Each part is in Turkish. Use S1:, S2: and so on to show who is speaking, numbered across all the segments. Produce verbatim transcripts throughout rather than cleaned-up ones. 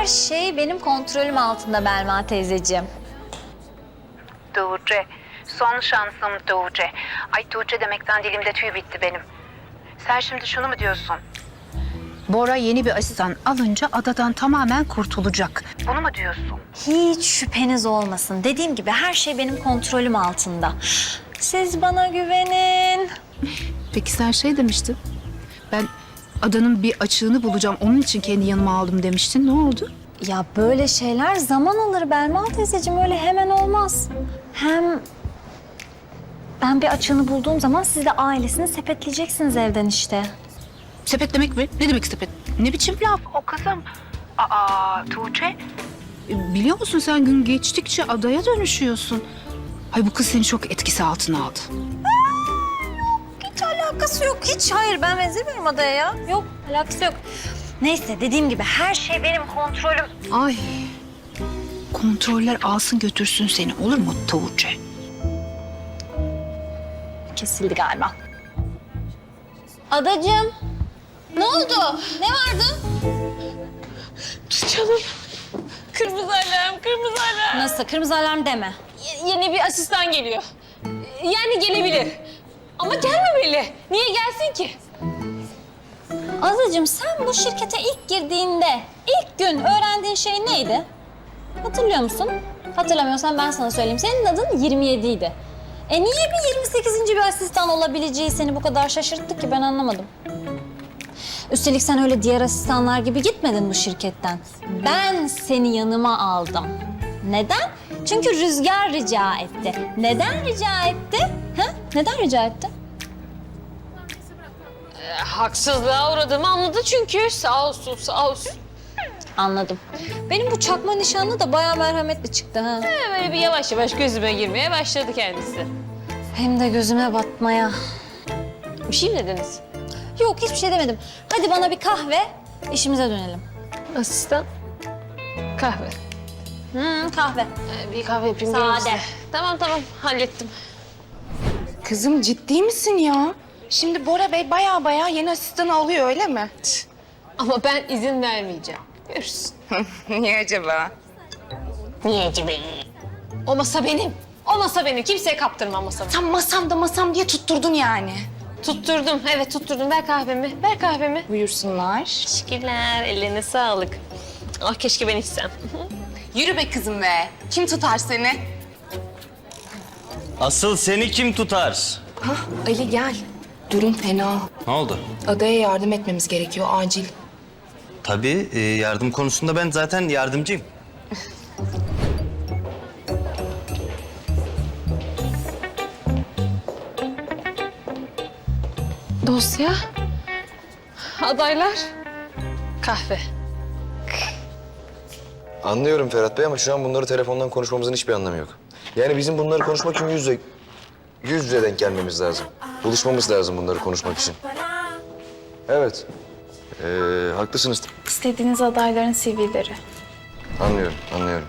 S1: Her şey benim kontrolüm altında Belma teyzeciğim.
S2: Tuğçe, son şansım Tuğçe. Ay Tuğçe demekten dilimde tüy bitti benim. Sen şimdi şunu mu diyorsun?
S3: Bora yeni bir asistan alınca adadan tamamen kurtulacak.
S2: Bunu mu diyorsun?
S1: Hiç şüpheniz olmasın. Dediğim gibi her şey benim kontrolüm altında. Siz bana güvenin.
S3: Peki sen şey demiştin. Ben adanın bir açığını bulacağım. Onun için kendi yanıma aldım demiştin. Ne oldu?
S1: Ya böyle şeyler zaman alır Belma teyzeciğim. Öyle hemen olmaz. Hem ben bir açığını bulduğum zaman siz de ailesini sepetleyeceksiniz evden işte.
S3: Sepet demek mi? Ne demek sepet? Ne biçim laf?
S2: O kızım. Aa Tuğçe.
S3: E, Biliyor musun sen gün geçtikçe adaya dönüşüyorsun. Ay bu kız seni çok etkisi altına aldı.
S1: Hiç alakası yok. Hiç hayır ben benzemiyorum adaya ya. Yok alakası yok. Neyse dediğim gibi her şey benim kontrolüm.
S3: Ay. Kontroller alsın götürsün seni olur mu Tuğçe?
S1: Kesildi galiba. Adacığım. Ne oldu? Ne vardı?
S4: Canım. Kırmızı alarm, kırmızı alarm.
S1: Nasıl? Kırmızı alarm deme.
S4: Y- yeni bir asistan geliyor. Yani gelebilir. Ama gelmemeli. Niye gelsin ki?
S1: Azacığım sen bu şirkete ilk girdiğinde ilk gün öğrendiğin şey neydi? Hatırlıyor musun? Hatırlamıyorsan ben sana söyleyeyim. Senin adın yirmi yedi idi. E niye bir yirmi sekizinci bir asistan olabileceği seni bu kadar şaşırttı ki ben anlamadım. Üstelik sen öyle diğer asistanlar gibi gitmedin bu şirketten. Ben seni yanıma aldım. Neden? Çünkü Rüzgar rica etti. Neden rica etti? Ha? Neden rica etti?
S4: E, haksızlığa uğradığımı anladı çünkü. Sağ olsun, sağ olsun.
S1: Anladım. Benim bu çakma nişanlı da bayağı merhametli çıktı ha.
S4: E, böyle bir yavaş yavaş gözüme girmeye başladı kendisi.
S1: Hem de gözüme batmaya.
S4: Bir şey mi dediniz?
S1: Yok hiçbir şey demedim. Hadi bana bir kahve, işimize dönelim.
S4: Asistan. Kahve.
S1: Hmm, kahve.
S4: E, bir kahve yapayım.
S1: Sade.
S4: gelin size. Tamam tamam hallettim.
S5: Kızım ciddi misin ya? Şimdi Bora Bey baya baya yeni asistanı alıyor öyle mi?
S4: Ama ben izin vermeyeceğim. Görürsün.
S5: Niye acaba?
S4: Niye acaba? O masa benim. O masa benim. Kimseye kaptırmam masamı.
S5: Sen masamda masam diye tutturdun yani.
S4: Tutturdum. Evet tutturdum. Ver kahvemi. Ver kahvemi.
S5: Buyursunlar.
S4: Teşekkürler. Ellerine sağlık. Ah keşke ben içsem.
S5: Yürü be kızım be. Kim tutar seni?
S6: Asıl seni kim tutar?
S5: Hah Ali gel. Durum fena.
S6: Ne oldu?
S5: Adaya yardım etmemiz gerekiyor acil.
S6: Tabii e, yardım konusunda ben zaten yardımcıyım.
S4: Dosya. Adaylar. Kahve.
S7: Anlıyorum Ferhat Bey ama şu an bunları telefondan konuşmamızın hiçbir anlamı yok. Yani bizim bunları konuşmak için yüz yüze, yüz yüze denk gelmemiz lazım. Buluşmamız lazım bunları konuşmak için. Evet. Ee, haklısınız.
S5: İstediğiniz adayların C V'leri.
S7: Anlıyorum, anlıyorum.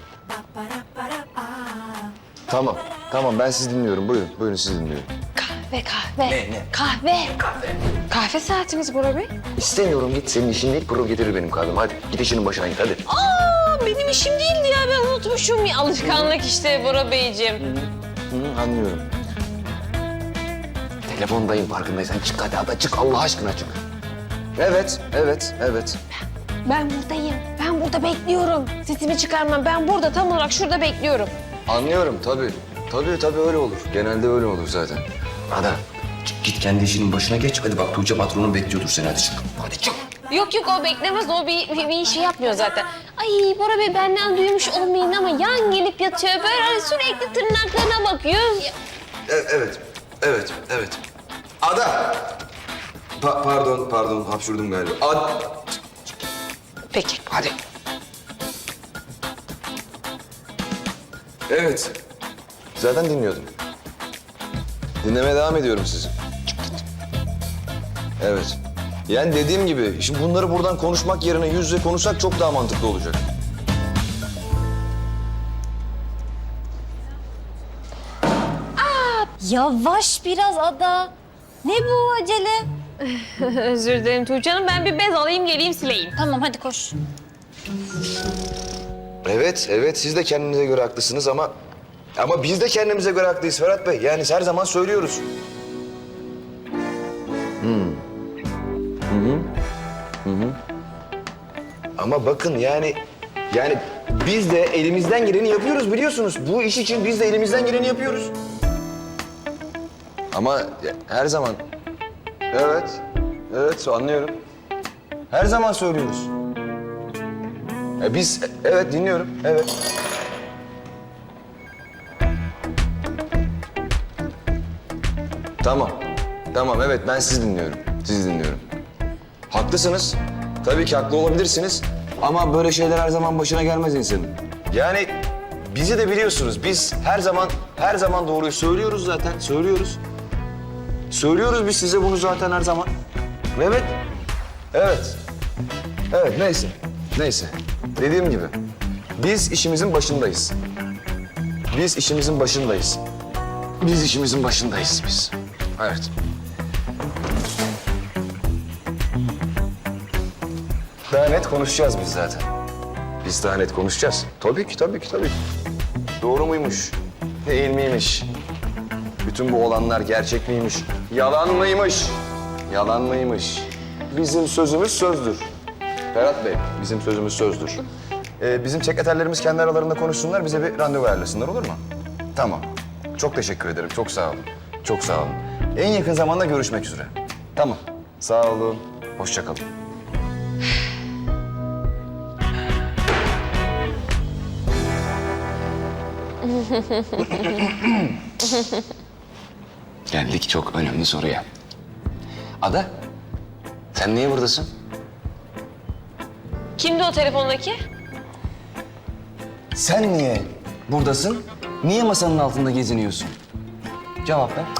S7: Tamam, tamam ben sizi dinliyorum. Buyurun, buyurun sizi dinliyorum.
S4: Kahve kahve.
S7: Ne, ne?
S4: Kahve. Kahve saatimiz Bora Bey.
S7: İstemiyorum git. Senin işin değil, pro getirir benim kahvemi. Hadi git işinin başına git, hadi.
S4: Aa benim işim değildi ya ben unutmuşum. Ya, alışkanlık işte Bora Beyciğim.
S7: Hı, anlıyorum. Telefondayım farkındaysan. Çık hadi, hadi çık. Allah aşkına çık. Evet, evet, evet.
S4: Ben buradayım. Ben burada bekliyorum. Sesimi çıkarmam. Ben burada tam olarak şurada bekliyorum.
S7: Anlıyorum tabii. Tabii tabii öyle olur. Genelde öyle olur zaten. Ada çık git kendi işinin başına geç. Hadi bak Tuğçe patronun bekliyordur seni. Hadi çık. Hadi çık.
S4: Yok yok o beklemez. O bir, bir, bir şey yapmıyor zaten. Ay Bora Bey benden duymuş olmayın ama yan gelip yatıyor. Böyle sürekli tırnaklarına bakıyor.
S7: E- evet. Evet. Evet. Ada. Pa- pardon pardon hapşurdum galiba. Ad
S4: Peki.
S7: Hadi. Evet. Zaten dinliyordum. Dinlemeye devam ediyorum sizi. Evet. Yani dediğim gibi şimdi bunları buradan konuşmak yerine yüz yüze konuşsak çok daha mantıklı olacak.
S1: Yavaş biraz Ada. Ne bu acele?
S4: Özür dilerim Tuğçe Hanım. Ben bir bez alayım geleyim sileyim.
S1: Tamam hadi koş.
S7: Evet, evet siz de kendinize göre haklısınız ama... Ama biz de kendimize göre haklıyız Ferhat Bey. Yani her zaman söylüyoruz. Hmm. Hı hı. Hı hı. Ama bakın yani... Yani biz de elimizden geleni yapıyoruz biliyorsunuz. Bu iş için biz de elimizden geleni yapıyoruz. Ama ya- her zaman... Evet, evet anlıyorum. Her zaman söylüyoruz. Ya biz, evet dinliyorum, evet. Tamam, tamam evet ben sizi dinliyorum, sizi dinliyorum. Haklısınız, tabii ki haklı olabilirsiniz. Ama böyle şeyler her zaman başına gelmez insanın. Yani bizi de biliyorsunuz, biz her zaman, her zaman doğruyu söylüyoruz zaten, söylüyoruz. Söylüyoruz biz size bunu zaten her zaman. Evet, evet. Evet neyse, neyse. Dediğim gibi biz işimizin başındayız. Biz işimizin başındayız. Biz işimizin başındayız biz. Evet. Daha net konuşacağız biz zaten. Biz daha net konuşacağız. Tabii ki, tabii ki, tabii ki. Doğru muymuş? Değil miymiş? Bütün bu olanlar gerçek miymiş? Yalan mıymış? Yalan mıymış? Bizim sözümüz sözdür. Ferhat Bey, bizim sözümüz sözdür. Ee, bizim sekreterlerimiz kendi aralarında konuşsunlar, bize bir randevu ayarlasınlar olur mu? Tamam. Çok teşekkür ederim, çok sağ olun. Çok sağ olun. En yakın zamanda görüşmek üzere. Tamam. Sağ olun. Hoşça kalın. Geldik çok önemli soruya. Ada, sen niye buradasın?
S4: Kimdi o telefondaki?
S7: Sen niye buradasın? Niye masanın altında geziniyorsun? Cevap ver.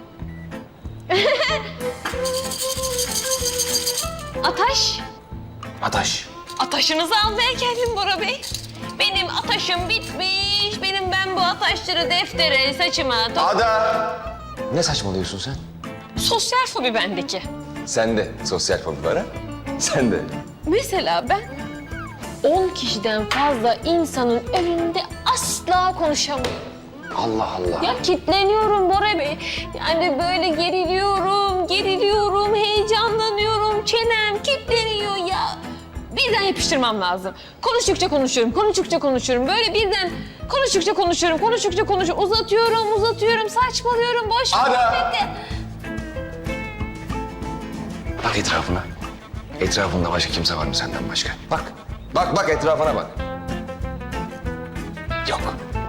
S4: Ataş.
S7: Ataş.
S4: Ataşınızı almaya geldim Bora Bey. Benim ataşım bitmiş. Benim ben bu ataşları deftere, saçıma... to-
S7: Ada! Ne saçmalıyorsun sen?
S4: Sosyal fobi bendeki.
S7: Sen de sosyal fobi var ha? Sen de.
S4: Mesela ben on kişiden fazla insanın önünde asla konuşamıyorum.
S7: Allah Allah.
S4: Ya kitleniyorum Bora Bey. Yani böyle geriliyorum, geriliyorum, heyecanlanıyorum. Çenem kitleniyor ya. Birden yapıştırmam lazım. Konuştukça konuşuyorum, konuştukça konuşuyorum. Böyle birden konuştukça konuşuyorum, konuştukça konuşuyorum. Uzatıyorum, uzatıyorum, saçmalıyorum, boş
S7: Ada!
S4: muhabbeti.
S7: Bak etrafına. Etrafında başka kimse var mı senden başka? Bak. Bak bak etrafına bak. Yok.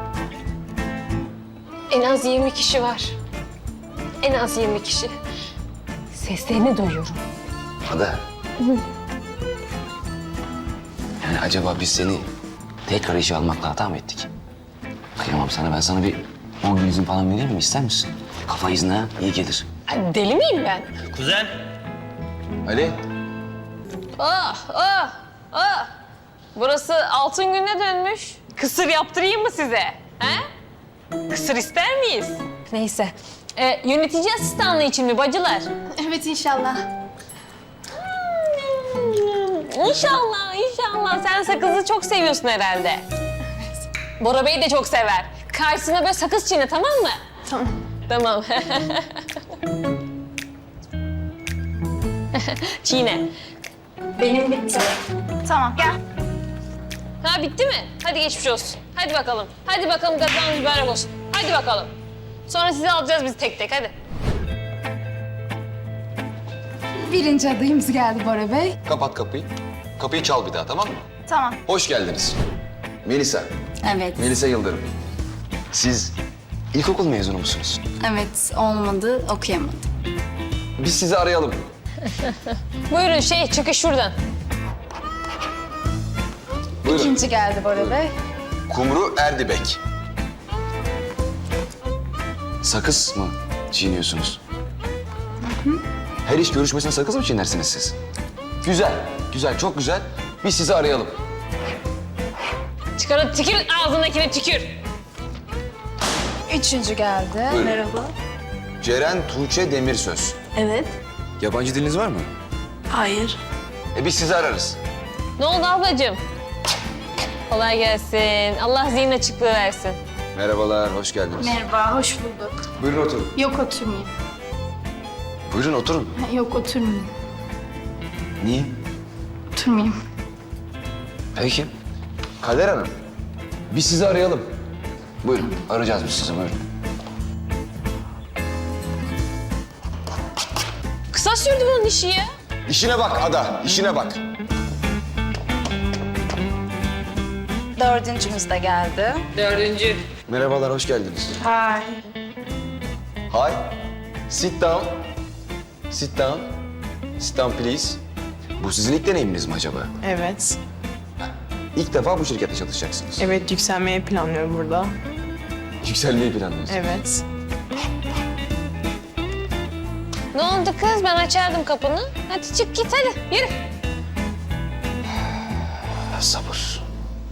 S4: En az yirmi kişi var. En az yirmi kişi. Seslerini duyuyorum.
S7: Ada. Yani acaba biz seni tekrar işe almakla hata mı ettik? Kıyamam sana. Ben sana bir on gün izin falan vereyim mi? İster misin? Kafa izni ha, iyi gelir.
S4: Ay, deli miyim ben?
S6: Kuzen.
S7: Ali.
S4: Ah, ah, ah. Burası altın gününe dönmüş. Kısır yaptırayım mı size? He? Kısır ister miyiz? Neyse. Ee, yönetici asistanlığı için mi bacılar?
S3: Evet inşallah.
S4: İnşallah, inşallah. Sen sakızı çok seviyorsun herhalde. Bora Bey de çok sever. Karşısına böyle sakız çiğne, tamam mı?
S3: Tamam.
S4: Tamam. Çiğne.
S3: Benim bitti.
S5: Tamam gel.
S4: Ha bitti mi? Hadi geçmiş olsun. Hadi bakalım. Hadi bakalım kazanız mübarek olsun. Hadi bakalım. Sonra sizi alacağız biz tek tek hadi.
S3: Birinci adayımız geldi Bora Bey.
S7: Kapat kapıyı. Kapıyı çal bir daha tamam mı?
S5: Tamam.
S7: Hoş geldiniz. Melisa.
S8: Evet,
S7: Melisa Yıldırım. Siz ilkokul mezunu musunuz?
S8: evet olmadı, okuyamadım.
S7: Biz sizi arayalım.
S4: Buyurun şey çıkış şuradan.
S7: Buyurun.
S3: İkinci geldi Bora Bey.
S7: Kumru Erdibek. Sakız mı çiğniyorsunuz? Her iş görüşmesine sakız mı çiğnersiniz siz? Güzel, güzel, çok güzel. Biz sizi arayalım.
S4: Çıkarın tükür ağzındakine tükür.
S3: Üçüncü geldi.
S7: Buyurun.
S3: Merhaba.
S7: Ceren Tuğçe Demirsöz.
S8: Evet.
S7: Yabancı diliniz var mı?
S8: Hayır.
S7: E biz sizi ararız.
S4: Ne oldu ablacığım? Kolay gelsin. Allah zihin açıklığı versin.
S7: Merhabalar, hoş geldiniz.
S8: Merhaba, hoş bulduk.
S7: Buyurun oturun.
S8: Yok oturmayayım.
S7: Buyurun oturun.
S8: Yok oturmayayım.
S7: Niye?
S8: Oturmayayım.
S7: Peki. Kader Hanım, biz sizi arayalım. Buyurun, arayacağız biz sizi, buyurun.
S4: Kısa sürdü bunun işi ya.
S7: İşine bak Ada, işine bak.
S5: Dördüncümüz de geldi.
S4: Dördüncü.
S7: Merhabalar, hoş geldiniz.
S5: Hi.
S7: Hi. Sit down. Sit down. Sit down please. Bu sizin ilk deneyiminiz mi acaba?
S9: Evet.
S7: İlk defa bu şirkette çalışacaksınız.
S9: Evet, yükselmeyi planlıyorum burada.
S7: Yükselmeyi planlıyorsunuz.
S9: Evet.
S4: Ne oldu kız? Ben açardım kapını. Hadi çık git hadi. Yürü.
S7: Sabır.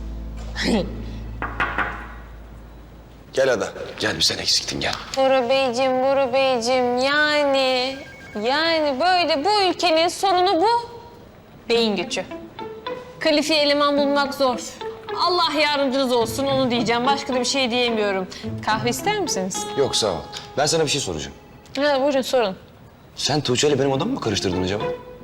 S7: Gel Ada, gel bir sen eksiktin gel.
S4: Bora Beyciğim, Bora Beyciğim yani... Yani böyle bu ülkenin sorunu bu. Beyin göçü. Kalifiye eleman bulmak zor. Allah yardımcınız olsun onu diyeceğim. Başka da bir şey diyemiyorum. Kahve ister misiniz?
S7: Yok sağ ol. Ben sana bir şey soracağım.
S4: Ha, buyurun sorun.
S7: Sen Tuğçe ile benim odamı mı karıştırdın acaba?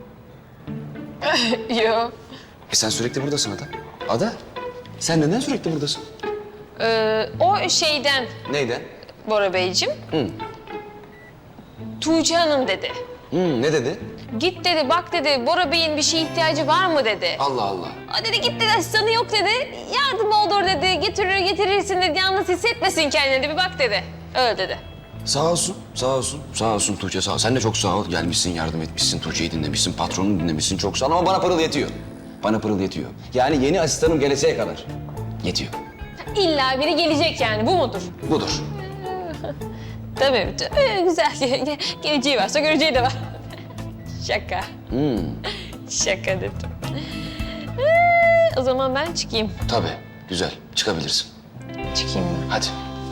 S4: Yok.
S7: E sen sürekli buradasın Ada. Ada, sen neden sürekli buradasın?
S4: Ee, o şeyden
S7: Neyden?
S4: Bora Beyciğim.
S7: Hı.
S4: Tuğçe Hanım dedi.
S7: Hı, ne dedi?
S4: Git dedi, bak dedi, Bora Bey'in bir şeye ihtiyacı var mı dedi.
S7: Allah Allah.
S4: Aa, dedi git dedi, asistanı yok dedi. Yardım olur dedi, getirir getirirsin dedi. Yalnız hissetmesin kendini dedi, bir bak dedi. Öyle dedi.
S7: Sağ olsun, sağ olsun. Sağ olsun Tuğçe, sağ ol. Sen de çok sağ ol. Gelmişsin, yardım etmişsin, Tuğçe'yi dinlemişsin, patronunu dinlemişsin. Çok sağ ol ama bana pırıl yetiyor. Bana pırıl yetiyor. Yani yeni asistanım geleceğe kadar yetiyor.
S4: İlla biri gelecek yani, bu mudur?
S7: Budur.
S4: Tabii, tabii güzel. Ge- ge- Geleceği varsa göreceği de var. Şaka.
S7: Hmm,
S4: Şaka dedim. Ee, o zaman ben çıkayım.
S7: tabii. Güzel. Çıkabilirsin.
S4: Çıkayım ben.
S7: Hadi.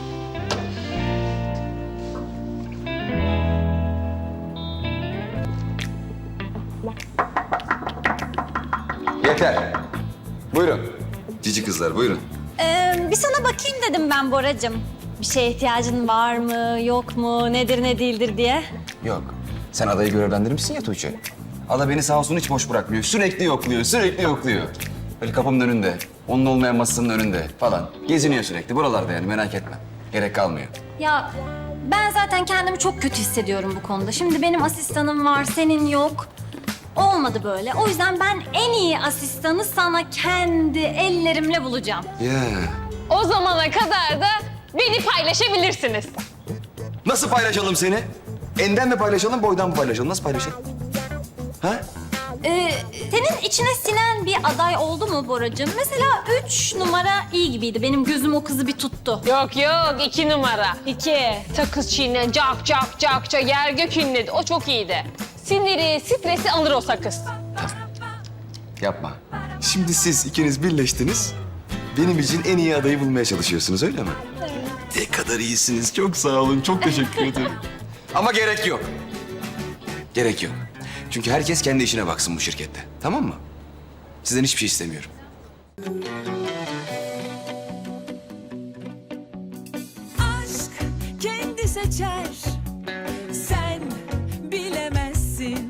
S7: Yeter. Buyurun. Cici kızlar, buyurun.
S1: Ee, bir sana bakayım dedim ben Boracığım. Bir şeye ihtiyacın var mı, yok mu, nedir ne değildir diye.
S7: Yok. Sen adayı görevlendirmişsin ya Tuğçe. Ada beni sağ olsun hiç boş bırakmıyor. Sürekli yokluyor, sürekli yokluyor. Böyle kapımın önünde, onun olmayan masasının önünde falan. Geziniyor sürekli buralarda yani merak etme. Gerek kalmıyor.
S1: Ya ben zaten kendimi çok kötü hissediyorum bu konuda. Şimdi benim asistanım var, senin yok. Olmadı böyle. O yüzden ben en iyi asistanı sana kendi ellerimle bulacağım.
S7: Ya.
S4: O zamana kadar da beni paylaşabilirsiniz.
S7: Nasıl paylaşalım seni? Enden mi paylaşalım, boydan mı paylaşalım? Nasıl paylaşalım? Ha?
S1: Ee, senin içine sinen bir aday oldu mu Boracığım? Mesela üç numara iyi gibiydi. Benim gözüm o kızı bir tuttu.
S4: Yok yok, iki numara.
S1: İki.
S4: Sakız çiğne, cak cak cak cak, yer gök inledi. O çok iyiydi. Siniri, stresi alır o sakız.
S7: Yapma. Şimdi siz ikiniz birleştiniz. Benim için en iyi adayı bulmaya çalışıyorsunuz öyle mi? Ne kadar iyisiniz. Çok sağ olun. Çok teşekkür ederim. Ama gerek yok. Gerek yok. Çünkü herkes kendi işine baksın bu şirkette. Tamam mı? Sizden hiçbir şey istemiyorum.
S10: Aşk kendi seçer